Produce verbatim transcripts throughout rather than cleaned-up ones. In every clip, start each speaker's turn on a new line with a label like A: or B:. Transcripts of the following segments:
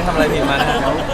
A: ทำอะไรผิดมานะ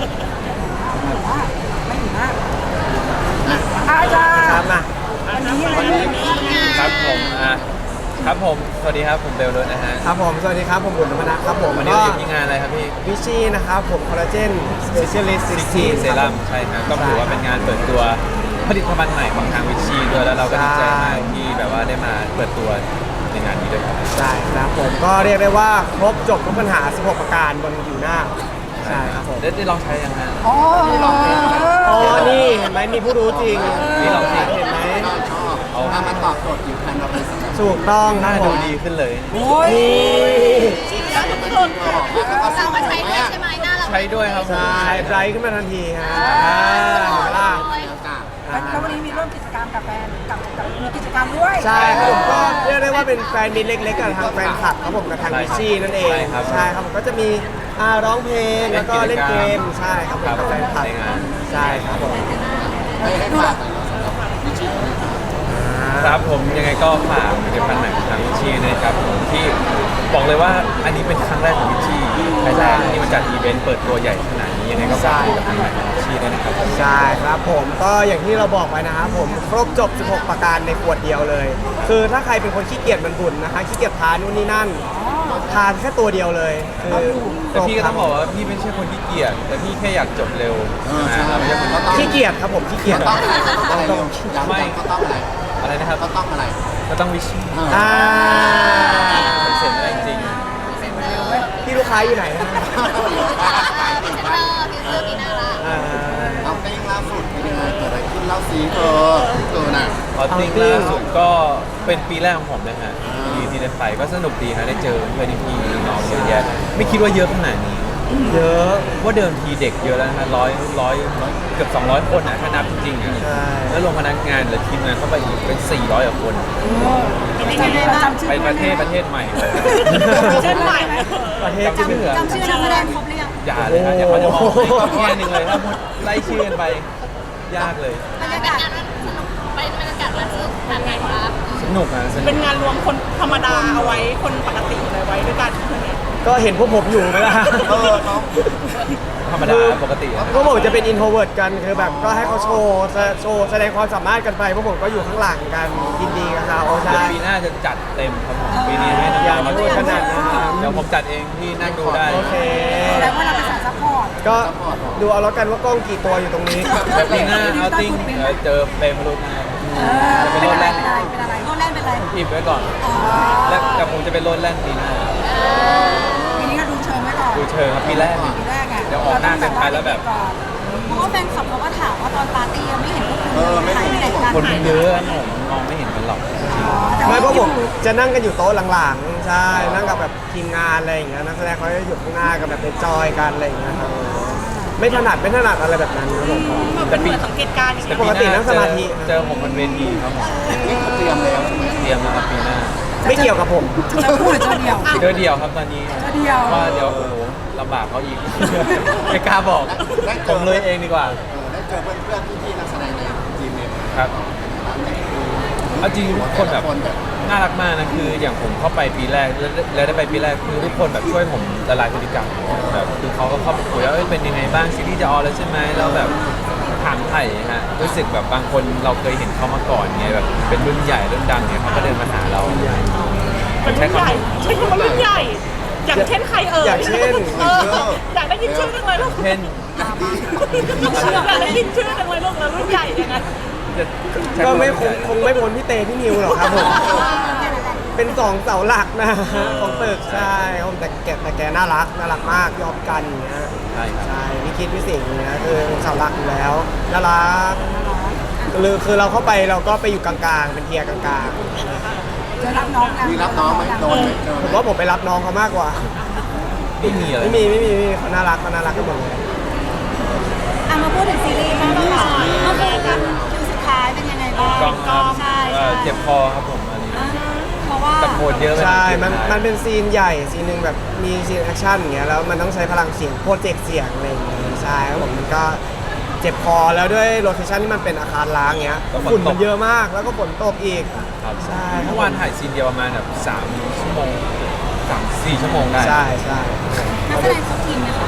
B: ไม่ถึงมากอาจารย์ครับมาวันนี้
A: ครับผมอ่ะครับผมสวัสดีครับผมเบลล์นะฮะ
C: ครับผมสวัสดีครับผมบุญธรรมนัสครับผม
A: วันนี้เราอยู่ที่งานอะไรครับพี่
C: วิชีนะครับผมคอลลาเจนสเปเชียลิสต์
A: ซิกซี่เซรั่มใช่ครับก็ถือว่าเป็นงานเปิดตัวผลิตภัณฑ์ใหม่ของทางวิชีด้วยแล้วเราก็ดีใจมากที่แบบว่าได้มาเปิดตัวในงานนี้ด้วยครับ
C: ใช่ครับผมก็เรียกได้ว่าครบจบทุกปัญหาสิบหกประการบนผิวหน้าใช่ครับผม
A: ได้ได้ลองใช้ยังไง
B: อ๋อ
C: อ๋อนี่เห็นไหมมีผู้รู้จริง
A: นี่ลองใช้
C: เห็นไหม
D: เอาถ้ามันตอบโจทย์ผิวพรรณเราเลยสิ
C: ถูกต้อง
A: หน้า
C: ครับผ
A: ดู
C: ม
A: ดีขึ้นเลย
B: โอ้ย
D: จริงแล้วทุกคนเรามาใช้ด้วยใช่ไหมหน้าเรา
A: ใช้ด้วยครับผม
C: ใช่ไบรท์ขึ้นมาทันทีฮะล่ะ
B: แล้ววันนี้มีร่วมกิจกรรมกับแฟนกับกับมีกิจกรรมด้วย
C: ใช่ครับผมก็เรียกได้ว่าเป็นแฟนมิตรเล็กๆกับทางแฟนคลับครับผมกับทางวิชีนั่นเองใช่ครับผมก็จะมีอ่าร้องเพลงแล้วก็เล่นเกมใช่ครับผมกับแฟนคลับใช่ครับผม
D: ให้ให้ฝากสำหรับวิจิตร
A: ครับผมยังไงก็ฝากผลิตภัณฑ์ใหม่ของทางวิชีนะครับผมที่บอกเลยว่าอันนี้เป็นครั้งแรกของวิชีไทยแลนด์ที่มาจัดอีเวนต์เปิดตัวใหญ่ขนาดนี้ยังไงก็ฝากผลิตภัณฑ์ใหม่ของวิชีด้วยนะครับ
C: ใช่ครับผมก็อย่างที่เราบอกไว้นะครับผมครบจบสิบหกประการในขวดเดียวเลยคือถ้าใครเป็นคนขี้เกียจมันบุญนะคะขี้เกียจทานนู่นนี่นั่นทานแค่ตัวเดียวเลยคือ
A: แต่พี่ก็ต้องบอกว่าพี่ไม่ใช่คนขี้เกียจแต่พี่แค่อยากจบเร็วเราไม่ใช่คน
C: ขี้เกียจครับผมขี้เกียจ
D: ต้องอะไรไม่ก็ต้องอะไร
A: อะไรนะครับ
D: ก็ต้องอะไร
A: ก็ต้องวิชี
C: อ่า
A: เสร็จแล้วจริง
C: พี่ลูกค้าอยู่ไหน
D: พิเศษเตอร์พิเศษปีหน้าละเอาเต้งล่าสุดเป็นยังไงเกิดอะไรขึ้นเล่าซีเธอเธอน่ะ
A: เอาติ้งล่าสุดก็เป็นปีแรกของผมนะฮะที่ที่ได้ไปก็สนุกดีฮะได้เจอเพื่อนพี่น้องเยอะแยะไม่คิดว่าเยอะขนาดนี้
C: เยอะ
A: ว่าเดิมทีเด็กเยอะแล้วนะร้อยร้อยเกือบสองร้อยคนนะถ้านับจริงๆอ่ะแล้วรวมพนักงานหรือทีมงานเข้าไปอีกเป็นสี่ร้อยกว่าคนไปประเทศประเทศใหม่เลย
B: เช่นใหม่
C: ประเทศ
B: จำจำชื่อนักแสดงครบหรือยัง
A: อย่าเลยฮะเดี๋ยวเขาจะมองให้แค่นึงเลยถ้าไล่ชื่อกันไปยากเลย
D: บรรยากาศมันสนุกไปบรรยากาศมันสนุกทางไงครับ
A: สนุกนะ
B: เป็นงานรวมคนธรรมดาเอาไว้คนปกติเลยไว้ด้วยกัน
C: ก็เห็นพวกผมอยู่ไหมล่ะ
A: ธรรมดาปกติ
C: พวกผมจะเป็นอินโทรเวิร์ตกันคือแบบก็ให้เขาโชว์โชว์แสดงความสามารถกันไปพวกผมก็อยู่ข้างหลังกันยินดีกับเขาใช่
A: ปีหน้าจะจัดเต็มครับผมปีนี้ให้น้องๆมาช่วยขนาดนะครับเดี๋ยวผมจัดเองที่นั่งดูได้
C: โอเค
B: แล้วว่าเราเป็นสายซัพพอร์ต
C: ก็ดูเอาแล้วกันว่ากล้องกี่ตัวอยู่ตรงนี้
A: แต่ปีหน้าเอาติ้งเจอเปรมรุ่นจะเป็นรถแล่น
B: เป็นอะไรรถแล่นเป็นอะไร
A: อิบไว้ก่อนแล้วแต่ผมจะเป็นรถแล่นปีหน้า
B: ปีนี้ก็ดูเชิงไว้ก่อน
A: ดูเชิงครับปีแรก
B: ปีแรกไง
A: เดี๋ยวออกหน้าเต็มไปแล้วแบบ
B: เพราะว่าแฟนคลับเขาก็ถามว่าตอนปาร์ตี้ยังไม่เห็นพวกคุณถ่ายไปไหนกัน
A: คนเยอะผมมองไม่เห็นกันหรอก
C: ไม่เพราะผมจะนั่งกันอยู่โต๊ะหลังๆใช่นั่งกับแบบทีมงานอะไรอย่างเงี้ยนักแสดงเขาจะอยู่ข้างหน้ากันแบบเป็นจอยกันอะไรอย่างเงี้ยครับไม่ถนัดไม่ถนัดอะไรแบบนั้นครับผม
B: แต่ปีสังเกตการณ์
C: ปกตินั่งสมาธิ
A: เจอผมบนเวทีครับผม
D: นี่เขาเตรียมแล้วใช่ไหม
A: เตรียมนะครับปีหน้า
C: ไม่เกี่ยวกับผม
B: จะพูดหรือจะเดียว
A: เจอเดียวครับตอนนี้
B: เดียว
A: ว่าเดี๋ยวโอ้โหลำบากเขาอีกไม่กล้าบอกผมเลยเองดีกว่า
D: ได้เจอเพื่อนๆพี่ๆนักแสดงในทีมเอง
A: ครับเอาจริงทุกคนแบบน่ารักมากนะคืออย่างผมเข้าไปปีแรกแล้วได้ไปปีแรกคือทุกคนแบบช่วยผมละลายพฤติกรรมแบบคือเขาก็เข้าไปคุยว่าเป็นยังไงบ้างซีรีส์จะออนแล้วใช่ไหมเราแบบถามไถ่ฮะรู้สึกแบบบางคนเราเคยเห็นเขามาก่อนไงแบบเป็นรุ่นใหญ่รุ่นดังเนี่ยเขาก็เดินมาหาเรา
B: เป็นรุ่นใหญ่ใช่คำว่ารุ่นใหญ่อย่างเช่นใครเอ่ย
C: อย่างเช่น
B: อยากได้ยินชื่อจังเลยลูก
A: เช่น
B: อยากได้ยินชื่อจังเลยลูกแล้วรุ่นใหญ่ยังไง
C: ก็ไม่คงคงไม่พ้นพี่เตพี่นิวหรอกครับผมเป็นสองเสาหลักนะของตึกใช่ผมแต่แกแต่แกน่ารักน่ารักมากยอมกันอย่างเงี้ย
A: ใช่
C: ใช่พี่คิดพี่สิงห์เนี่ยคือเสาหลักอยู่แล้วน่ารักคือคือเราเข้าไปเราก็ไปอยู่กลางๆเป็นเทียร์กลาง
B: จะรับน้องกัน
D: มีรับน้องไหมโดน
C: ผมว่าผมไปรับน้องเขามากกว่า
A: ไม่มีอะไร
C: ไม่มีไม่มีเขาน่ารักเขาน่ารักกันหมดเลย
B: อ่ะมาพูดถึงซีรีส์บ้างค่ะเมื่อคืนกันคิวสุดท้ายเป็นยังไงบ้าง
A: กองใช่เจ็บคอครับผมอันนี้
B: เพราะว่า
A: ตะโกนเยอะ
C: ใช่มันมันเป็นซีนใหญ่ซีนหนึ่งแบบมีซีนแอคชั่นอย่างเงี้ยแล้วมันต้องใช้พลังเสียงโปรเจกต์เสียงอะไรอย่างเงี้ยใช่ครับผมมันก็เจ็บคอแล้วด้วยโลเคชั่นที่มันเป็นอาคารล้างเงี้ยฝุ่นมันเยอะมากแล้วก็ฝนตกอีก
A: ใช่เมื่อวานถ่ายซีนเดียวประมาณแบบสามชั่วโมงสามสี่ชั่วโมงได้
C: ใช่ใช่
B: นักแสดงทุกทีมนะคะทีม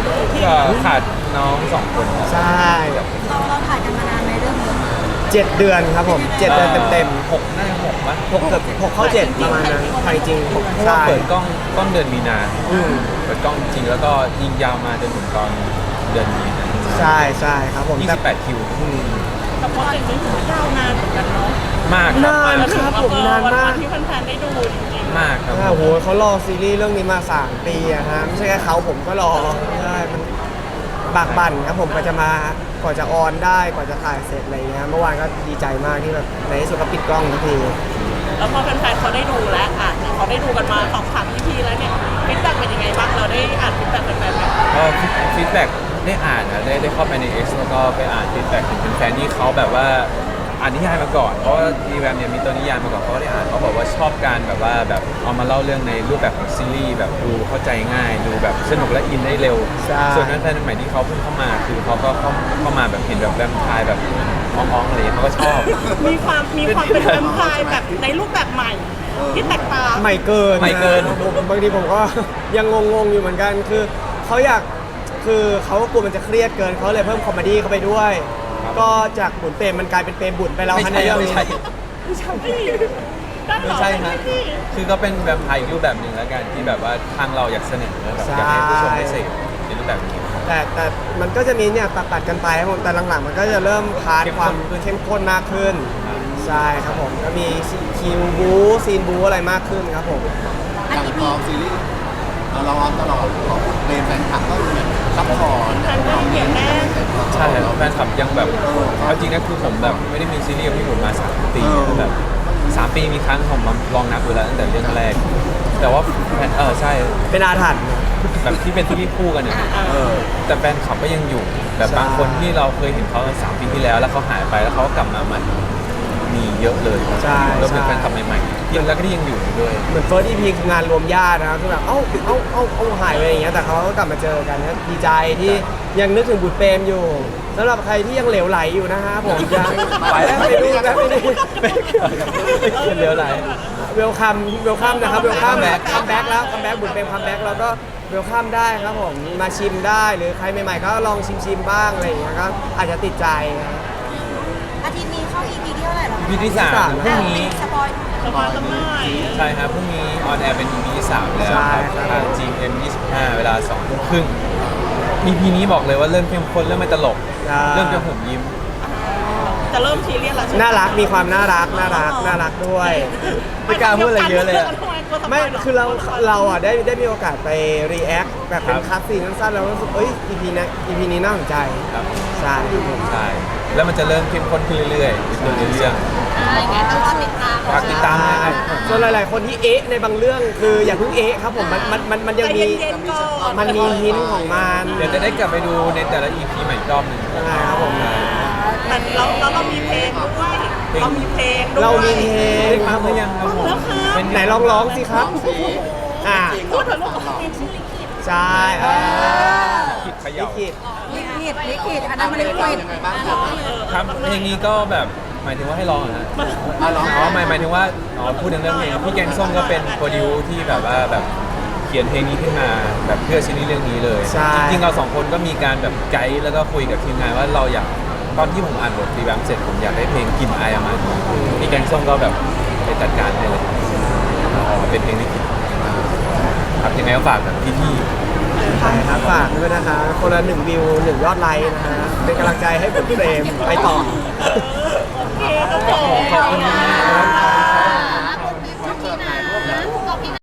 A: ก็ขาดน้องสองคนครับ
C: ใช่
B: เราเราถ่ายกันมานานไหมเรื่องนี้
C: เจ็ดเดือนครับผมเจ็ดเดือนเต็ม
A: หกน่าจะหกมั้ย
C: ๆหกเกือบหกเข้าเจ็ดประมาณนั้นถ่ายจริงหก
A: เพราะว่า
C: ใช่
A: เปิดกล้องกล้องเดือนมีนา
C: อืม
A: เปิดกล้องจริงแล้วก็ยิงยาวมาจนถึงตอนเดือนมีนา
C: ใช่ใช่ครับผม
A: ยี่
C: แต่
A: สิบแปดคิว
C: อืม
E: แต่โปรเจกต์นี้ถือว่ายาวนานเหมือนกันเนาะ
A: มากครับ
C: นาน
A: มาก
C: ครับผมนานมาก
E: วันที่แฟนๆได้ดูจริงๆ
A: มากครับ
C: โอ้โหเขารอซีรีส์เรื่องนี้มาสามปีอะฮะไม่ใช่แค่เขาผมก็รอใช่มันบากบั่นครับผมกว่าจะมากว่าจะออนได้กว่าจะถ่ายเสร็จอะไรเงี้ยเมื่อวานก็ดีใจมากที่แบบในที่สุดก็ปิดกล้องทันที
E: แล้วพอแฟนๆเขาได้ดูแล้วอ่ะเขาได้ดูกันมาสองสาม อี พี แล้วเนี่ยฟีดแบ็กเป็นยังไงบ้างเราได้อ่านฟีดแบ็กแฟนๆไหม
A: ก็ฟีดแบ็กได้อ่านนะได้ได้เข้าไปใน X แล้วก็ไปอ่านฟีดแบ็กถึงเป็นแฟนที่เขาแบบว่าอ่านนิยายมาก่อนเพราะว่าดีแวมเนี่ยมีตัวนิยายมาก่อนเขาก็ได้อ่านเขาบอกว่าชอบการแบบว่าแบบเอามาเล่าเรื่องในรูปแบบของซีรีส์แบบดูเข้าใจง่าย ดูแบบสนุกและอินได้เร็ว
C: ใช่
A: ส่วนนั้นแฟนใหม่ที่เขาเพิ่งเข้ามาคือเขาก็เข้าเข้ามาแบบเห็นแบบแวมไพร์แบบอ้องๆอะไรอย่างเงี้ยเขาก็ชอบ
E: มีความมีความเป็นแวมไพร์แบบในรูปแบบใหม่ที่แตกต่าง
C: ใหม่เกิน
A: ใหม่เกิน
C: นะผมบางทีผมก็ ยังงงๆอยู่เหมือนกันคือเขาอยากคือเขาก็กลัวมันจะเครียดเกินเขาเลยเพิ่มคอมเมดี้เข้าไปด้วย ก็จากบุญเปรมมันกลายเป็นเปรมบุญไปแล้ว
A: ไม่
C: ฮะ
A: ใช่
C: ในเรื่อง
A: ไม่
C: นี้
A: ใช่
E: ไม่ใช่ด้านห
A: ไม่
E: ลัง
A: ใช่ฮะ
E: พี่
A: คือก็เป็นแวมไพร์อีกรูปแบบหนึ่งแล้วกันที่แบบว่าทางเราอยากเสนอแบบอยากให้ผู้ชมได้เสพในรูปแบบนี้
C: แต่แต่มันก็จะมีเนี่ยตัดตัดๆกันไปครับผมแต่หลังๆ มันก็จะเริ่มพาร์ท
A: เข้ม
C: ค
A: ข้
C: วาม
A: นขึ้น
C: เข้มข้นมากขึ้นใช่ครับผมก็มีคิวบูซีนบูอะไรมากขึ้นครับผม
D: อย่างกองซีรีส์เราออนตลอดของเรนแฟนคลับก็เหมือนซัพพอร์ต
E: แฟนก็ยังเหนียวแน่น
A: ใช่ครับแฟนคลับยังแบบเอาจริงนะคือผมแบบไม่ได้มีซีรีส์กับพี่หนุ่มมาสามปีแบบสามปีมีครั้งผมลองนับดูแล้วตั้งแต่เรื่องแรก แต่ว่าแฟนเออใช่
C: เป็นอาถรรพ์
A: แบบที่เป็นซีรีส์คู่กันเนี่ย
C: เออ
A: แต่แฟนคลับก็ยังอยู่แบบ
C: ใช่
A: บางคนที่เราเคยเห็นเขาสามปีที่แล้ว แล้วเขาหายไปแล้วเขาก็กลับมาใหม่มีเยอะเลย
C: ใช่
A: รวมถึง
C: ใช่
A: แฟนคลับใหม่ๆที่แล้วก็ที่ยังอยู่ด้วย
C: เหมือนเฟิร์สอีพีคืองานรวมญาตินะครับคือแบบเอ้าเอ้าเอ้าเอ้าหายไปอย่างเงี้ยแต่เขาก็กลับมาเจอกันนะดีใจที่ยังนึกถึงบุตรเปรมอยู่สำหรับใครที่ยังเหลวไหลอยู่นะฮะผมยัง
A: ไปแล้ว
C: ไปดูนะไม่ได้
A: ไม่เกี่ยวกับไม่เกี่ยวเดี๋ยวไหน
C: เวลคัมเวลคัมนะครับเวลคัมแบ็คคัมแบ็คแล้วคัมแบ็คบุญเป็นคัมแบ็คแล้วก็เวลคัมได้ครับผมมาชิมได้หรือใครใหม่ๆก็ลองชิมชิมๆบ้างอะไรอย่างเงี้ยก็อาจจะติดใจนะ
B: อาทิตย์นี้เข้า อี พี ที่เท่าไหร่แล้ว
A: อี พี ที่สาม
C: สาม
A: พรุ่งนี้
B: สปอย
E: สบายสบาย
A: ใช่ครับพรุ่งนี้ออนแอร์เป็น อี พี ที่สามแล้ว
C: ใช่
A: ครับ
C: ครับ
A: ทาง จี เอ็ม ยี่สิบห้า เวลาสองทุ่มครึ่ง อี พี นี้บอกเลยว่าเริ่มเข้มข้นเริ่มไม่ตลก เริ่มจะผมยิ้ม
E: จะเริ่มซีเรียสแล้วใช่ไหม
C: น่ารักมีความน่ารักน่ารักน่ารักด้วย
A: ไม่กล้าพูดอะไรเยอะเลยอะ
C: ไม่คือเราเราอ่ะได้ได้มีโอกาสไปรีแอคแบบเป็น
A: ครับ
C: คัสซีนสั้นๆแล้วรู้สึกเอ้ย อี พี นี้ อี พี นี้น่าสนใจ
A: ครับ
C: ใช่ครับผม
A: ใช่ แล้วมันจะเริ่มเข้มข้นขึ้นเรื่อยๆในเรื่อง
E: อะไรเงี้ยต้องรอติดตาม
A: ฝากติดตามนะครับ
C: ส่วนหลาย ๆ คนที่เอ๊ะในบางเรื่องคืออย่าเพิ่งเอ๊ะครับผมมันมันมันมันยังมี
E: ใจเย็นๆก่อน
C: มันมีหินของมัน
A: เดี๋ยวจะได้กลับไปดูในแต่ละ อี พี ใหม่อีกรอบหนึ่ง
C: ใช่ครับผม
E: แต่เราเราเรามีเพลงด้วยเรามีเพลงด้วย
C: เรามีเพลง
A: ได้ฟังหรือยังครับผม
E: แล้วค่ะ
A: เป็น
C: ไหนลองร้องสิครับ
D: ซี
C: อ่า
E: พูดเถอะลูก
B: เป็นชื่อลิขิต
C: ใช่อ่า
A: คิดเข
C: ลิ
A: ย่า
C: ขิต
B: ลิขิตลิขิตอันนั้นมันลิขิต
D: ยังไงบ้างครับ
A: ครับเพลงนี้ก็แบบหมายถึงว่าให้ร้องเหรอฮะ
D: อ่ะร้อง
A: อ๋อหมายหมายถึงว่าอ๋อพูดถึงเรื่องเพลงพี่แกงส้มก็เป็นโปรดิวที่แบบว่าแบบเขียนเพลงนี้ขึ้นมาแบบเพื่อซีรีส์เรื่องนี้เลย
C: ใช่
A: จริงๆเราสองคนก็มีการแบบไกด์แล้วก็คุยกับทีมงานว่าเราอยากตอนที่ผมอ่านบทรีแวมเสร็จผมอยากได้เพลงกลิ่นอายออกมาพี่แกงส้มก็แบบไปจัดการให้เลยเอาออกมาเป็นเพลงนี้ครับยังไงก็ฝากแบบพี่ๆ
C: ใช่ครับฝากด้วยนะคะคนละหนึ่งวิวหนึ่งยอดไลค์นะฮะเป็นกำลังใจให้บุญเฟรมไปต่อ
E: เออ